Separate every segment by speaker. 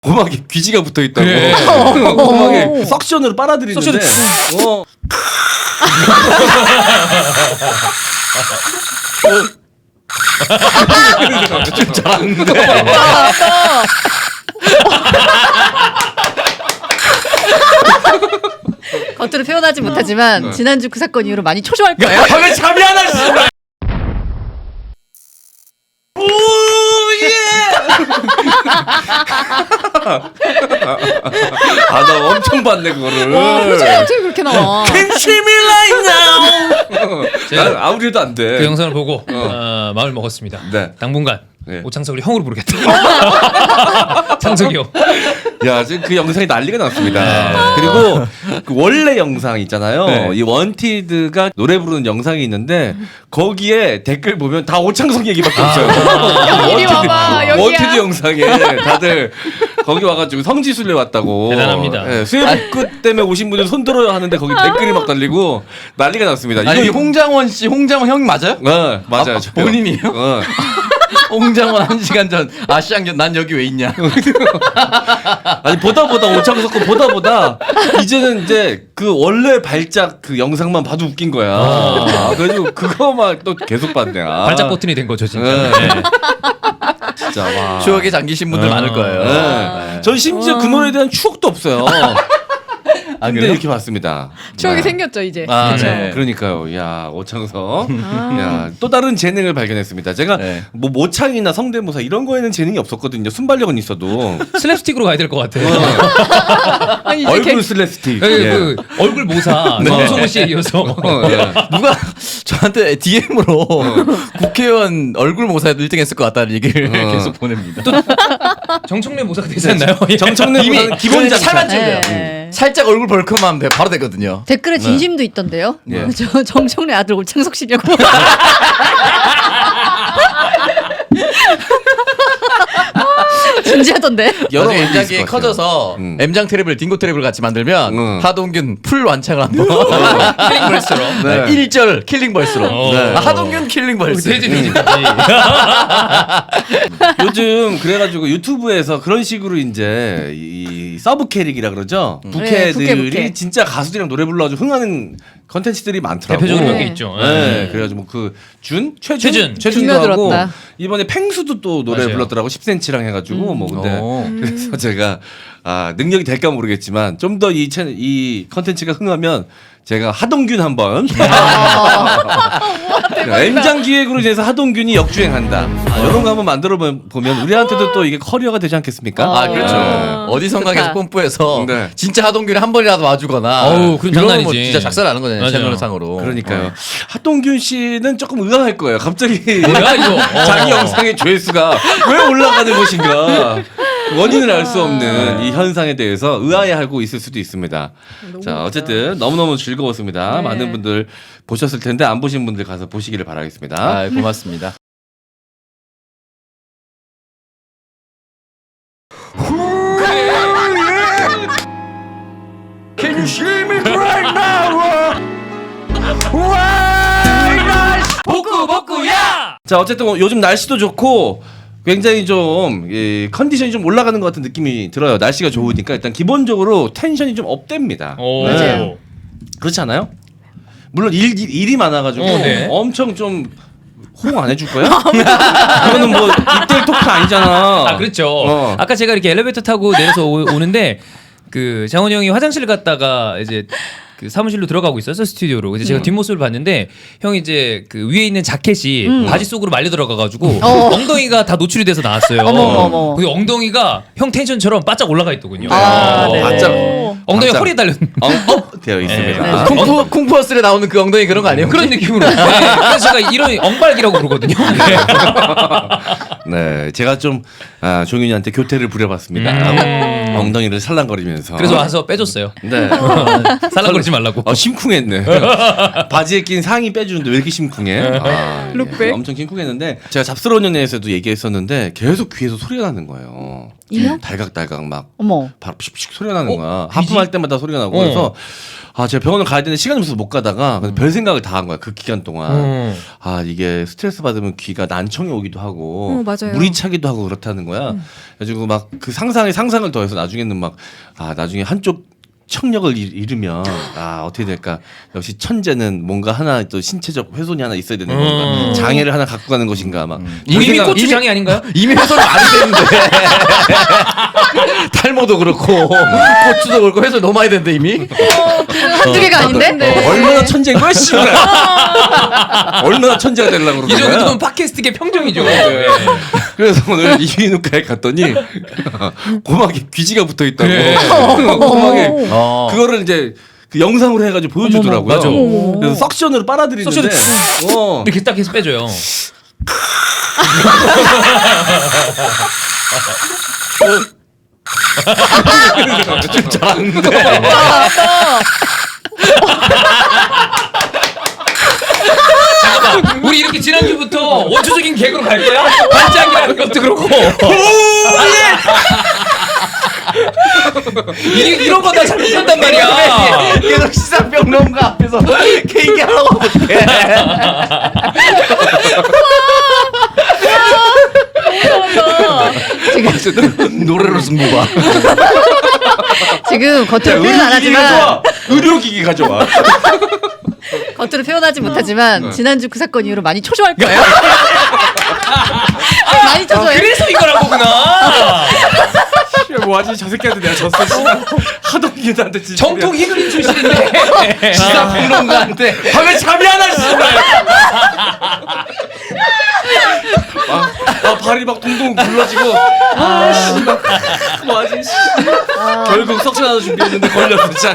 Speaker 1: 고막에 귀지가 붙어 있다고.
Speaker 2: 그래.
Speaker 1: 고막에 석션으로 빨아들이는데.
Speaker 2: 좀 잘하는데.
Speaker 3: 겉으로 표현하지 못하지만 지난주 그 사건 이후로 많이 초조할 거예요.
Speaker 1: 왜 잠이 안 와? 아, 나 엄청 봤네 그거를.
Speaker 3: 와, 표정이 어떻게 그렇게 나와?
Speaker 1: Can see me right now. 난 아무리도 안 돼.
Speaker 2: 그 영상을 보고 마음을 먹었습니다.
Speaker 1: 네.
Speaker 2: 당분간
Speaker 1: 네.
Speaker 2: 오창석을 형으로 부르겠다. 창석이 형.
Speaker 1: 야, 지금 그 영상이 난리가 났습니다. 그리고 그 원래 영상 있잖아요.
Speaker 2: 네.
Speaker 1: 이 원티드가 노래 부르는 영상이 있는데 거기에 댓글 보면 다 오창석 얘기밖에 없어요.
Speaker 3: 이리 와봐, 여기야.
Speaker 1: 원티드 영상에 다들 거기 와가지고 성지순례 왔다고.
Speaker 2: 대단합니다.
Speaker 1: 네, 수해복구 때문에 오신 분들 손 들어요 하는데 거기 댓글이 막 달리고 난리가 났습니다.
Speaker 4: 아니 홍장원 씨, 홍장원 형 맞아요?
Speaker 1: 맞아요.
Speaker 4: 아,
Speaker 1: 저요.
Speaker 4: 본인이요? 홍장원 1시간 전 아시안견 난 여기 왜 있냐?
Speaker 1: 아니 보다 오창석 거 보다 이제는 이제 그 원래 발작 그 영상만 봐도 웃긴 거야. 그래가지고 그거만 또 계속 봤네.
Speaker 2: 발작 버튼이 된 거죠 진짜.
Speaker 1: 네.
Speaker 2: 네.
Speaker 1: 진짜 와.
Speaker 4: 추억에 잠기신 분들 많을 거예요.
Speaker 1: 네. 전 심지어 그 노래에 대한 추억도 없어요. 근데
Speaker 4: 그래요?
Speaker 1: 이렇게 봤습니다.
Speaker 3: 추억이
Speaker 1: 네.
Speaker 3: 생겼죠 이제.
Speaker 4: 아,
Speaker 3: 그쵸?
Speaker 4: 네.
Speaker 1: 그러니까요. 야 오창석. 야, 또 다른 재능을 발견했습니다. 제가
Speaker 4: 네.
Speaker 1: 뭐 모창이나 성대모사 이런 거에는 재능이 없었거든요. 순발력은 있어도.
Speaker 2: 슬랩스틱으로 가야 될 것 같아.
Speaker 3: 아니, 이제
Speaker 1: 얼굴 슬랩스틱.
Speaker 2: 그,
Speaker 1: 예.
Speaker 2: 그 얼굴 모사 정성호 씨에 이어서.
Speaker 1: 예.
Speaker 4: 누가 저한테 DM으로 국회의원 얼굴 모사에도 1등 했을 것 같다는 얘기를 계속 보냅니다.
Speaker 2: 정청래 모사가 되지 않나요?
Speaker 1: 정청래
Speaker 4: 이미
Speaker 1: 모사는 기본 장착.
Speaker 4: 살만 찔려요.
Speaker 3: 네.
Speaker 4: 살짝 얼굴 벌크만 바로 되거든요.
Speaker 3: 댓글에 진심도 있던데요.
Speaker 1: 예.
Speaker 3: 저 정청래 아들 오창석 씨냐고. 진지하던데.
Speaker 1: 여러
Speaker 4: 나중에
Speaker 1: 의미 있을
Speaker 4: M장기
Speaker 1: 것 같아요.
Speaker 4: 커져서 M장 트랩을 딩고 트랩을 같이 만들면 하동균 풀 완창을 한번
Speaker 2: 킬링 벌스로.
Speaker 1: 네.
Speaker 4: 1절 킬링 벌스로
Speaker 1: 네.
Speaker 4: 하동균 킬링 벌스
Speaker 2: 되지.
Speaker 1: 요즘 그래가지고 유튜브에서 그런 식으로 이제 이 서브 캐릭이라 그러죠.
Speaker 3: 네,
Speaker 1: 부캐들이
Speaker 3: 부캐.
Speaker 1: 진짜 가수들이랑 노래 불러가지고 흥하는 컨텐츠들이 많더라고.
Speaker 2: 대표적으로 몇 개
Speaker 3: 네.
Speaker 2: 있죠.
Speaker 1: 네. 그래가지고 뭐 그 최준도
Speaker 3: 중요들었다.
Speaker 1: 하고 이번에 팽수도 또 노래
Speaker 2: 맞아요.
Speaker 1: 불렀더라고 10cm랑 해가지고 뭐 근데
Speaker 4: 오.
Speaker 1: 그래서 제가 능력이 될까 모르겠지만 좀 더 이 컨텐츠가 흥하면 제가 하동균 한번 M장 기획으로 인해서 하동균이 역주행한다. 이런 거 한번 만들어 보면 우리한테도 또 이게 커리어가 되지 않겠습니까?
Speaker 4: 아 그렇죠.
Speaker 3: 네.
Speaker 4: 어디선가
Speaker 3: 좋다.
Speaker 4: 계속 뽐뿌해서
Speaker 1: 네.
Speaker 4: 진짜 하동균이 한 번이라도 와주거나
Speaker 2: 어우, 그럼 장난이지.
Speaker 4: 뭐 진짜 작살나는 거잖아요.
Speaker 2: 맞아요.
Speaker 4: 채널상으로.
Speaker 1: 그러니까요. 하동균 씨는 조금 의아할 거예요. 갑자기
Speaker 2: 뭐야 이거?
Speaker 1: 자기 영상의 조회수가 왜 올라가는 것인가 원인을 알 수 없는 이 현상에 대해서 의아해하고 있을 수도 있습니다. 자 어쨌든 너무너무 즐거웠습니다.
Speaker 3: 네.
Speaker 1: 많은 분들 보셨을 텐데 안 보신 분들 가서 보시기를 바라겠습니다.
Speaker 4: 아, 고맙습니다. Can you see me right now?
Speaker 2: 복구야.
Speaker 1: 자 어쨌든 요즘 날씨도 좋고 굉장히 좀 컨디션이 좀 올라가는 것 같은 느낌이 들어요. 날씨가 좋으니까 일단 기본적으로 텐션이 좀 업됩니다.
Speaker 2: 오.
Speaker 3: 맞아요.
Speaker 1: 그렇지 않아요? 물론 일이 많아가지고
Speaker 2: 네.
Speaker 1: 엄청 좀 호응 안 해줄 거야? 이거는 뭐 입대일 토크 아니잖아.
Speaker 2: 아 그렇죠.
Speaker 1: 어.
Speaker 2: 아까 제가 이렇게 엘리베이터 타고 내려서 오는데 그 장원이 형이 화장실 갔다가 이제 그 사무실로 들어가고 있었어 스튜디오로. 그래서 제가 뒷모습을 봤는데 형이 이제 그 위에 있는 자켓이 바지 속으로 말려 들어가가지고 엉덩이가 다 노출이 돼서 나왔어요.
Speaker 3: 어머.
Speaker 2: 그 엉덩이가 형 텐션처럼 바짝 올라가 있더군요.
Speaker 3: 아, 네.
Speaker 1: 바짝.
Speaker 2: 엉덩이
Speaker 1: 바짝.
Speaker 2: 허리에 달려.
Speaker 1: 되어 있습니다.
Speaker 2: 네.
Speaker 4: 쿵푸어스에 나오는 그 엉덩이 그런 거 아니에요?
Speaker 2: 그런 느낌으로. 네. 그래서 제가 이런 엉발기라고 부르거든요.
Speaker 1: 네, 제가 좀 종윤이한테 교태를 부려봤습니다. 엉덩이를 살랑거리면서.
Speaker 2: 그래서 와서 빼줬어요.
Speaker 1: 네.
Speaker 2: 살랑거리지 말라고.
Speaker 1: 심쿵했네. 바지에 낀 상의 빼주는데 왜 이렇게 심쿵해?
Speaker 3: 룩백?
Speaker 1: 엄청 심쿵했는데 제가 잡스러운 연애에서도 얘기했었는데 계속 귀에서 소리가 나는 거예요.
Speaker 3: 이명?
Speaker 1: 달각달각 막
Speaker 3: 어머.
Speaker 1: 바로 픽픽 소리가 나는 거야. 하품할 때마다 소리가 나고 그래서 제가 병원을 가야 되는데 시간이 없어서 못 가다가 그래서 별 생각을 다 한 거야. 그 기간 동안. 이게 스트레스 받으면 귀가 난청이 오기도 하고
Speaker 5: 맞아요.
Speaker 1: 물이 차기도 하고 그렇다는 거야. 그래가지고 막 그 상상을 더해서 나중에는 막 나중에 한쪽 청력을 잃으면 어떻게 될까? 역시 천재는 뭔가 하나 또 신체적 훼손이 하나 있어야 되는 건가? 장애를 하나 갖고 가는 것인가? 막
Speaker 2: 이미 고추장이 아닌가요?
Speaker 4: 이미 훼손이 많이 되는데 탈모도 그렇고 고추도 그렇고 훼손이 너무 많이 되는데 이미.
Speaker 3: 한두 개가 아닌데?
Speaker 1: 얼마나 천재인 거야, 씨발. 얼마나 천재가 되려고
Speaker 2: 이
Speaker 1: 그러는 거야.
Speaker 2: 정도면 팟캐스트계 평정이죠.
Speaker 1: 그래서 오늘 이비인후과에 갔더니 고막에 귀지가 붙어 있다고.
Speaker 2: 그래.
Speaker 1: 고막에
Speaker 4: 그거를
Speaker 1: 이제 그 영상으로 해가지고 보여주더라고요.
Speaker 2: 맞아.
Speaker 1: 그래서 석션으로 빨아들이는데
Speaker 2: 이렇게 딱 해서 빼줘요.
Speaker 1: 좀 잘하는데.
Speaker 2: 잠깐만, 우리 이렇게 지난주부터 원초적인 개그로 갈 거야? 반짝이라는 것도 그렇고. 이런 거 다 잘못한단 말이야.
Speaker 4: 계속 시사평론가 앞에서 케이크 하라고 어떡해. 노래로 승부봐.
Speaker 3: 지금 겉으로 표현 안 하지만
Speaker 1: 의료기기 가져와.
Speaker 3: 겉으로 표현하지 못하지만 지난주 그 사건 이후로 많이 초조할 거예요. 많이 초조해.
Speaker 2: 그래서 이걸 한 거구나.
Speaker 1: 뭐하지? 저 새끼한테 내가 졌어. 하도 기한테 진짜.
Speaker 2: 정통 히그린 출신인데.
Speaker 4: 시사평론가한테
Speaker 1: 밤에 잠이 안 와, 씨발. 발이 막 동동 굴러지고. 씨발. 뭐하지? 결국 석션 하나 준비했는데 걸렸어, 진짜.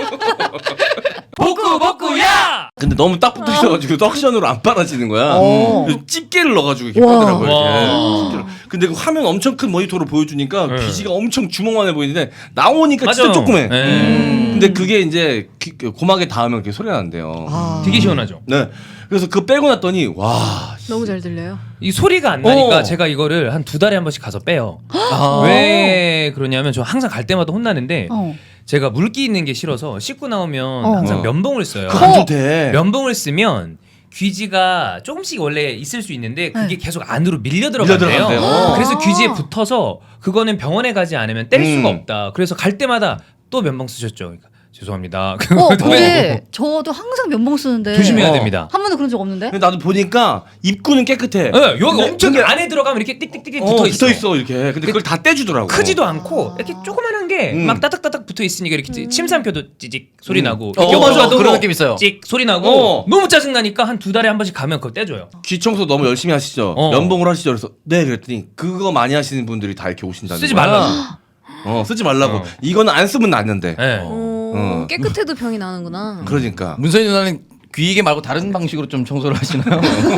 Speaker 2: 복구야.
Speaker 1: 근데 너무 딱 붙어 있어가지고 석션으로 안 빨아지는 거야. 그래서 집게를 넣어가지고 이렇게
Speaker 3: 와.
Speaker 1: 빼더라고요.
Speaker 2: 와.
Speaker 1: 이렇게. 집게를. 근데 그 화면 엄청 큰 모니터로 보여주니까 귀지가 엄청 주먹만해 보이는데 나오니까 진짜
Speaker 2: 맞아.
Speaker 1: 조그매.
Speaker 2: 네.
Speaker 1: 근데 그게 이제 고막에 닿으면 그렇게 소리가 난대요.
Speaker 2: 되게 시원하죠.
Speaker 1: 네. 그래서 그거 빼고 났더니 와.
Speaker 5: 너무 잘 들려요.
Speaker 2: 이 소리가 안 나니까
Speaker 1: 어.
Speaker 2: 제가 이거를 한 2달에 한 번씩 가서 빼요.
Speaker 4: 아.
Speaker 2: 왜 그러냐면 저 항상 갈 때마다 혼나는데
Speaker 3: 어.
Speaker 2: 제가 물기 있는 게 싫어서 씻고 나오면
Speaker 3: 어.
Speaker 2: 항상 면봉을 써요.
Speaker 1: 그거 안 좋대.
Speaker 2: 면봉을 쓰면 귀지가 조금씩 원래 있을 수 있는데 그게 계속 안으로 밀려
Speaker 1: 밀려
Speaker 2: 들어간대요.
Speaker 1: 들어간대요.
Speaker 2: 그래서 귀지에 붙어서 그거는 병원에 가지 않으면 뗄 수가 없다. 그래서 갈 때마다 또 면봉 쓰셨죠. 그러니까 죄송합니다.
Speaker 3: 근데 저도 항상 면봉 쓰는데
Speaker 2: 조심해야 됩니다.
Speaker 3: 한 번도 그런 적 없는데?
Speaker 1: 근데 나도 보니까 입구는 깨끗해.
Speaker 2: 네, 여기
Speaker 1: 근데
Speaker 2: 엄청
Speaker 1: 그게
Speaker 2: 안에 들어가면 이렇게 띡띡띡
Speaker 1: 붙어 있어 이렇게. 근데 그걸 다 떼주더라고.
Speaker 2: 크지도 않고 이렇게 조그만한 게 막 따닥따닥 붙어 있으니까 이렇게 침 삼켜도 찌직 소리 나고
Speaker 4: 맞아.
Speaker 2: 껴가도
Speaker 4: 그런 느낌 있어요.
Speaker 2: 찍 소리 나고 너무 짜증 나니까 한 2달에 한 번씩 가면 그걸 떼줘요.
Speaker 1: 귀 청소 너무 열심히 하시죠. 면봉을 하시죠. 그래서 네 그랬더니 그거 많이 하시는 분들이 다 이렇게 오신다는
Speaker 2: 쓰지
Speaker 1: 거야.
Speaker 2: 말라고.
Speaker 1: 쓰지 말라고. 이거는 안 쓰면 낫는데.
Speaker 2: 네.
Speaker 5: 깨끗해도 병이 나는구나.
Speaker 1: 그러니까.
Speaker 4: 문선희 누나는 귀이게 말고 다른 방식으로 좀 청소를 하시나요?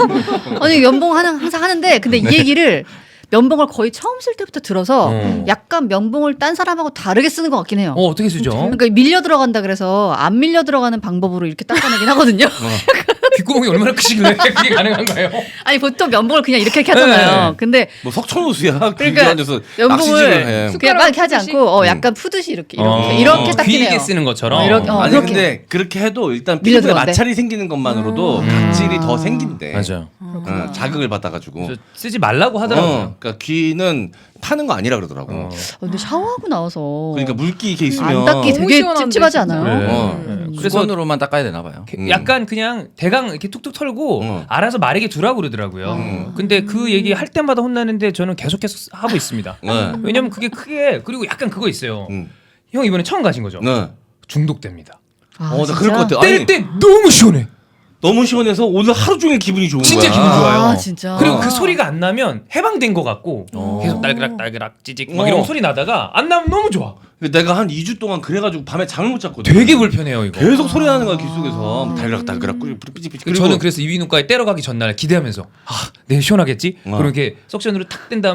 Speaker 3: 아니 면봉 항상 하는데 근데 이 얘기를 면봉을 거의 처음 쓸 때부터 들어서 약간 면봉을 딴 사람하고 다르게 쓰는 것 같긴 해요.
Speaker 2: 어떻게 쓰죠?
Speaker 3: 그러니까 밀려 들어간다 그래서 안 밀려 들어가는 방법으로 이렇게 닦아내긴 하거든요.
Speaker 2: 귓구멍이 얼마나 크시길래 그게 가능한가요?
Speaker 3: 아니 보통 면봉을 그냥 이렇게 하잖아요.
Speaker 2: 네.
Speaker 3: 근데
Speaker 1: 뭐 석촌호수야.
Speaker 3: 그러니까
Speaker 1: 앉아서
Speaker 3: 면봉을
Speaker 1: 낚시질을 해.
Speaker 3: 그냥 막 이렇게 하지 않고 약간 푸듯이 이렇게 닦긴 해요.
Speaker 2: 귀이게 쓰는 것처럼.
Speaker 3: 이렇게,
Speaker 1: 아니
Speaker 3: 그렇게.
Speaker 1: 근데 그렇게 해도 일단
Speaker 3: 밀려
Speaker 1: 피부에
Speaker 3: 들어간대.
Speaker 1: 마찰이 생기는 것만으로도 각질이 더 생긴대.
Speaker 2: 맞아요.
Speaker 1: 자극을 받아가지고.
Speaker 2: 그래서 쓰지 말라고 하더라고요.
Speaker 1: 그러니까 귀는 타는 거 아니라 그러더라고.
Speaker 3: 근데 샤워하고 나와서
Speaker 1: 그러니까 물기 이렇게 있으면
Speaker 3: 안 닦기
Speaker 5: 너무
Speaker 3: 되게
Speaker 5: 시원한데,
Speaker 3: 찝찝하지
Speaker 5: 진짜.
Speaker 3: 않아요?
Speaker 2: 그래서
Speaker 4: 수건으로만 닦아야 되나 봐요.
Speaker 2: 약간 그냥 대강 이렇게 툭툭 털고 알아서 마르게 두라고 그러더라고요. 근데 그 얘기 할 때마다 혼나는데 저는 계속 하고 있습니다.
Speaker 1: 네.
Speaker 2: 왜냐면 그게 크게 그리고 약간 그거 있어요. 형 이번에 처음 가신 거죠?
Speaker 1: 네.
Speaker 2: 중독됩니다.
Speaker 3: 아,
Speaker 1: 나
Speaker 3: 진짜?
Speaker 1: 그럴 것 같아.
Speaker 2: 뗄
Speaker 1: 아니,
Speaker 2: 때 너무 시원해.
Speaker 1: 너무 시원해서 오늘 하루 종일 기분이 좋은
Speaker 2: 진짜
Speaker 1: 거야.
Speaker 2: 기분 좋아요.
Speaker 3: 아, 진짜.
Speaker 2: 그리고 그 소리가 안 나면 해방된 것 같고 계속 딸그락 찌직 막 이런 소리 나다가 안 나면 너무 좋아.
Speaker 1: 내가 한 2주 동안 그래가지고 밤에 잠을 못 잤거든.
Speaker 2: 되게 불편해요 이거.
Speaker 1: 계속 소리 나는 거야 귀 속에서 달그락 삐지삐지.
Speaker 2: 저는 그래서 이비인후과에 때려 가기 전날 기대하면서 내일 시원하겠지? 그럼 이렇게 석션으로 탁 뗀 다음에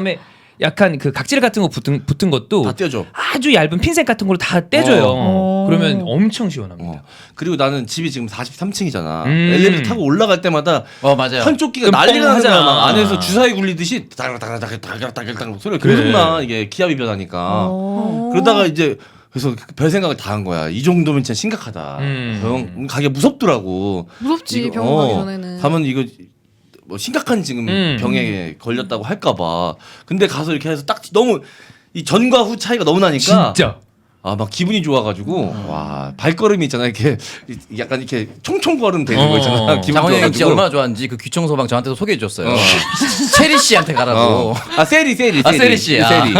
Speaker 2: 약간 그 각질 같은 거 붙은 것도
Speaker 1: 다 떼줘.
Speaker 2: 아주 얇은 핀셋 같은 걸로 다 떼줘요.
Speaker 3: 어.
Speaker 2: 그러면 엄청 시원합니다.
Speaker 1: 그리고 나는 집이 지금 43층이잖아.
Speaker 2: 음.
Speaker 1: 엘리베이터 타고 올라갈 때마다
Speaker 4: 맞아요.
Speaker 1: 한쪽 귀가
Speaker 2: 끔뻥
Speaker 1: 난리가 나는 거야.
Speaker 2: 하잖아.
Speaker 1: 막 안에서 주사위 굴리듯이 다글다글다글다글다글 소리가
Speaker 2: 그래.
Speaker 1: 계속 나. 이게 기압이 변하니까.
Speaker 3: 어.
Speaker 1: 그러다가 이제 그래서 별 생각을 다 한 거야. 이 정도면 진짜 심각하다. 병원 가기가 무섭더라고.
Speaker 5: 무섭지
Speaker 1: 이거,
Speaker 5: 병원 가기 전에는.
Speaker 1: 가면 이거 뭐 심각한 지금 병에 걸렸다고 할까봐. 근데 가서 이렇게 해서 딱 너무 이 전과 후 차이가 너무 나니까.
Speaker 2: 진짜.
Speaker 1: 아 막 기분이 좋아가지고 와 발걸음이 있잖아 이렇게 약간 이렇게 총총걸음 되는 거 있잖아. 기분
Speaker 4: 장원영이 진짜
Speaker 1: 좋아가지고.
Speaker 4: 얼마나 좋아하는지 그 귀청 소방 저한테도 소개해 줬어요.
Speaker 1: 어.
Speaker 4: 체리 씨한테 가라고.
Speaker 1: 아 세리.
Speaker 4: 아, 세리 씨. 아.
Speaker 1: 세리.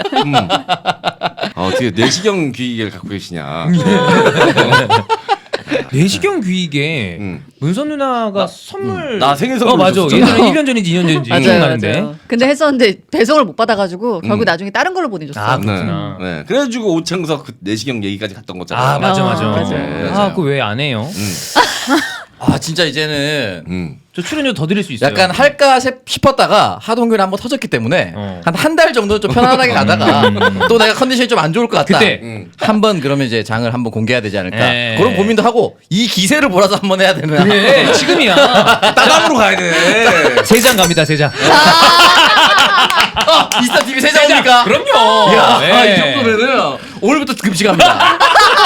Speaker 1: 어떻게 내시경 귀기를 갖고 계시냐.
Speaker 2: 내시경 귀이게 문선 누나가 선물
Speaker 1: 나 생일 선물
Speaker 2: 맞아.
Speaker 1: 줬었잖아.
Speaker 2: 예전에 1년 전인지 2년 전인지
Speaker 3: 맞아요,
Speaker 2: 기억나는데.
Speaker 3: 맞아요. 근데 했었는데 배송을 못 받아가지고 결국 나중에 다른 걸로 보내줬어.
Speaker 2: 아,
Speaker 1: 네.
Speaker 2: 그렇구나.
Speaker 1: 네. 그래가지고 오창석 그 내시경 얘기까지 갔던 거잖아.
Speaker 2: 아 맞아.
Speaker 3: 맞아요.
Speaker 2: 아 그거 왜 안 해요?
Speaker 4: 아 진짜 이제는
Speaker 2: 저 출연료 더 드릴 수 있어요.
Speaker 4: 약간 할까 싶었다가 하동균 한번 터졌기 때문에
Speaker 2: 어.
Speaker 4: 한 달 정도 좀 편안하게 가다가 또 내가 컨디션이 좀 안 좋을 것 같다.
Speaker 2: 그때.
Speaker 4: 한번 그러면 이제 장을 한번 공개해야 되지 않을까.
Speaker 2: 에.
Speaker 4: 그런 고민도 하고 이 기세를 몰아서 한번 해야 되나.
Speaker 2: 그래 지금이야.
Speaker 1: 따당으로 가야 돼.
Speaker 2: 3장 갑니다 3장.
Speaker 4: 이스타 TV 세장입니까?
Speaker 2: 그럼요.
Speaker 4: 이야,
Speaker 2: 네.
Speaker 4: 이 정도면은 오늘부터 급식합니다.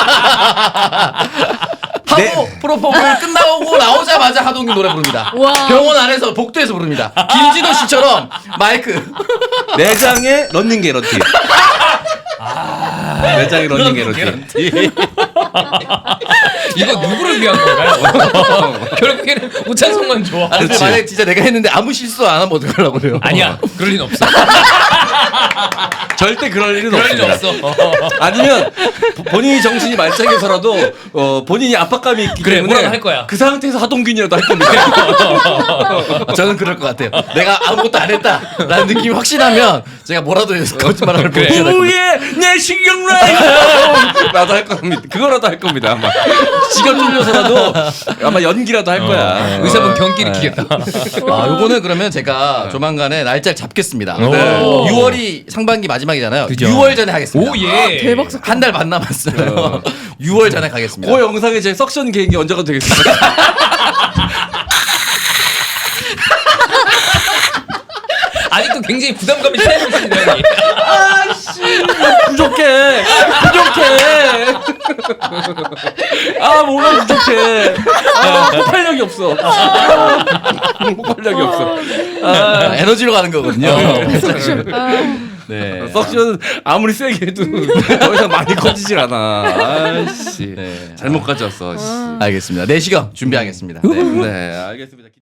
Speaker 4: 하고 프로포즈를 끝나고 나오자마자 하동균 노래 부릅니다.
Speaker 3: 와.
Speaker 4: 병원 안에서 복도에서 부릅니다. 김진호 씨처럼 마이크.
Speaker 1: 내장의 런닝 개런티. 내장의 런닝 개런티.
Speaker 2: 이거 누구를 위한 건가요? 결국에는 오찬성만 좋아.
Speaker 4: 아니, 근데 만약에 진짜 내가 했는데 아무 실수 안 하면 어떡하려고 그래요?
Speaker 2: 아니야 그럴 리는 없어.
Speaker 1: 절대 그럴 일은
Speaker 2: 그럴 리는
Speaker 1: 없습니다.
Speaker 2: 없어.
Speaker 1: 아니면 본인이 정신이 말짱해서라도 본인이 압박감이 있기
Speaker 2: 그래,
Speaker 1: 때문에
Speaker 2: 뭐라도 할 거야.
Speaker 1: 그 상태에서 하동균이라도 할 겁니다.
Speaker 4: 저는 그럴 것 같아요. 내가 아무것도 안 했다라는 느낌이 확신하면 제가 뭐라도 해서 거짓말을
Speaker 2: 그래.
Speaker 4: 보여줘야 될 것
Speaker 1: 우예 내 신경 라이브 나도 할 겁니다. 그거라도 할 겁니다. 아마 지가 쫄려서라도 아마 연기라도 할 거야.
Speaker 2: 의사분 경기를 키겠다.
Speaker 4: 같아요. 아, 요거는 그러면 제가 조만간에 날짜를 잡겠습니다.
Speaker 2: 오.
Speaker 4: 네. 6월이 상반기 마지막이잖아요.
Speaker 2: 그죠.
Speaker 4: 6월 전에 하겠습니다.
Speaker 2: 오 예.
Speaker 5: 대박.
Speaker 4: 한 달 반 남았어요. 6월 전에 가겠습니다.
Speaker 1: 그 영상에 제 석션 개인기 언제 가도 되겠습니다.
Speaker 2: 아직도 굉장히 부담감이 쌓여있습니다.
Speaker 1: 부족해. 아 뭐가 부족해. 폭발력이 없어. 폭발력이 없어.
Speaker 4: 에너지로 가는 거거든요. 네.
Speaker 1: 석션은 아무리 세게 해도 더 이상 많이 커지질 않아. 아씨.
Speaker 4: 네.
Speaker 1: 잘못 가져왔어. 씨.
Speaker 4: 알겠습니다. 내시경 준비하겠습니다. 네.
Speaker 1: 네, 알겠습니다.